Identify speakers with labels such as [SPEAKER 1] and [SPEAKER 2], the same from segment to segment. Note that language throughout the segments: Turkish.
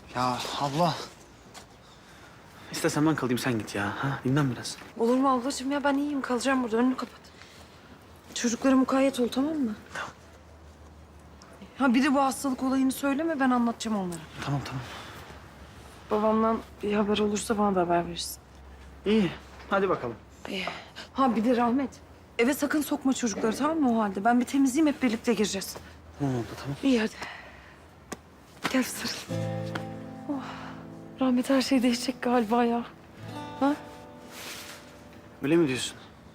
[SPEAKER 1] Ya abla. İstersen ben kalayım sen git ya. Ha? Dinlen biraz.
[SPEAKER 2] Olur mu ablacığım ya? Ben iyiyim. Kalacağım burada. Önünü kapat. Çocuklara mukayyet ol, tamam mı?
[SPEAKER 1] Tamam.
[SPEAKER 2] Ha bir de bu hastalık olayını söyleme. Ben anlatacağım onlara.
[SPEAKER 1] Tamam tamam.
[SPEAKER 2] Babamdan bir haber olursa bana da haber verirsin.
[SPEAKER 1] İyi. Hadi bakalım.
[SPEAKER 2] Ha bir de Rahmet. Eve sakın sokma çocukları, tamam mı o halde? Ben bir temizleyeyim, hep birlikte gireceğiz.
[SPEAKER 1] Tamam abla tamam.
[SPEAKER 2] İyi hadi. Gel sarıl. Oh. Rahmet her şey değişecek galiba ya. Ha?
[SPEAKER 1] Öyle mi diyorsun?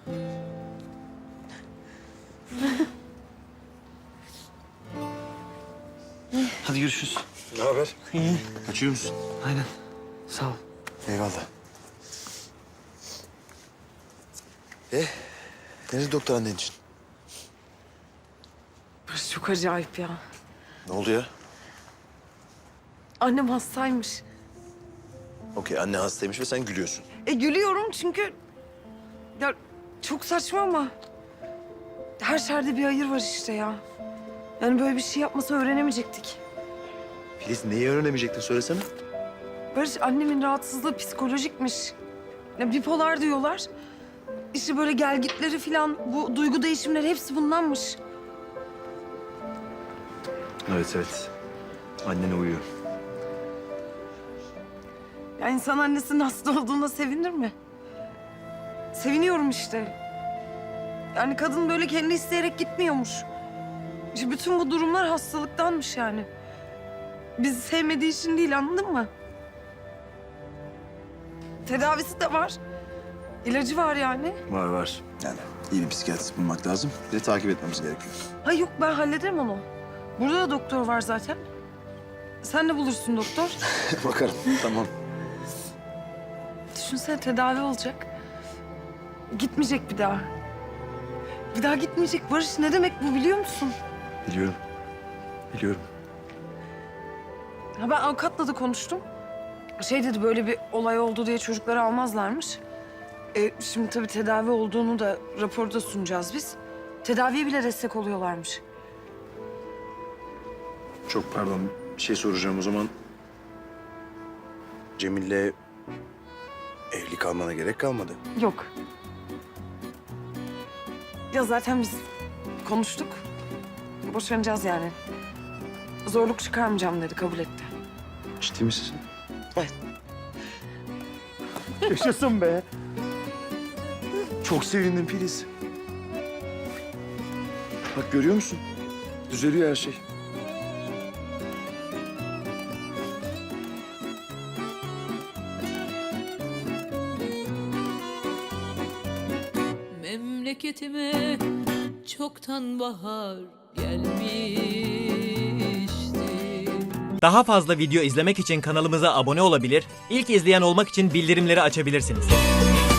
[SPEAKER 1] Hadi görüşürüz.
[SPEAKER 3] Ne haber?
[SPEAKER 1] İyi.
[SPEAKER 3] Kaçıyor musun?
[SPEAKER 1] Aynen. Sağ ol.
[SPEAKER 3] Eyvallah. Nerede doktor annen için?
[SPEAKER 2] Burası çok acayip ya.
[SPEAKER 3] Ne oldu ya?
[SPEAKER 2] Annem hastaymış.
[SPEAKER 3] Okey, anne hastaymış ve sen gülüyorsun.
[SPEAKER 2] Gülüyorum çünkü... Ya çok saçma ama... Her şerde bir hayır var işte ya. Yani böyle bir şey yapmasa öğrenemeyecektik.
[SPEAKER 3] Filiz, neyi öğrenemeyecektin söylesene.
[SPEAKER 2] Barış, annemin rahatsızlığı psikolojikmiş. Ya bipolar diyorlar. İşte böyle gelgitleri falan, bu duygu değişimleri hepsi bundanmış.
[SPEAKER 3] Evet. Annene uyuyor.
[SPEAKER 2] Ya insan annesinin hasta olduğuna sevinir mi? Seviniyorum işte. Yani kadın böyle kendi isteyerek gitmiyormuş. İşte bütün bu durumlar hastalıktanmış yani. Bizi sevmediği için değil, anladın mı? Tedavisi de var. İlacı var yani.
[SPEAKER 3] Var. Yani iyi bir psikiyatrist bulmak lazım. Bir de takip etmemiz gerekiyor.
[SPEAKER 2] Ha yok, ben hallederim onu. Burada da doktor var zaten. Sen de bulursun doktor.
[SPEAKER 3] Bakarım, tamam.
[SPEAKER 2] Düşünsene, tedavi olacak. Gitmeyecek bir daha. Bir daha gitmeyecek. Barış, ne demek bu, biliyor musun?
[SPEAKER 3] Biliyorum.
[SPEAKER 2] Ha ben avukatla da konuştum. Şey dedi, böyle bir olay oldu diye çocukları almazlarmış. Şimdi tabii tedavi olduğunu da raporda sunacağız biz. Tedaviye bile destek oluyorlarmış.
[SPEAKER 3] Çok pardon, bir şey soracağım o zaman. Cemil'le evli kalmana gerek kalmadı.
[SPEAKER 2] Yok. Ya zaten biz konuştuk. Boşanacağız yani. Zorluk çıkarmayacağım dedi, kabul etti.
[SPEAKER 3] Ciddi misin sen?
[SPEAKER 2] Evet.
[SPEAKER 3] Yaşasın be. Çok sevindim Filiz. Bak görüyor musun? Düzeliyor her şey.
[SPEAKER 4] Memleketime çoktan bahar gelmişti.
[SPEAKER 5] Daha fazla video izlemek için kanalımıza abone olabilir, ilk izleyen olmak için bildirimleri açabilirsiniz.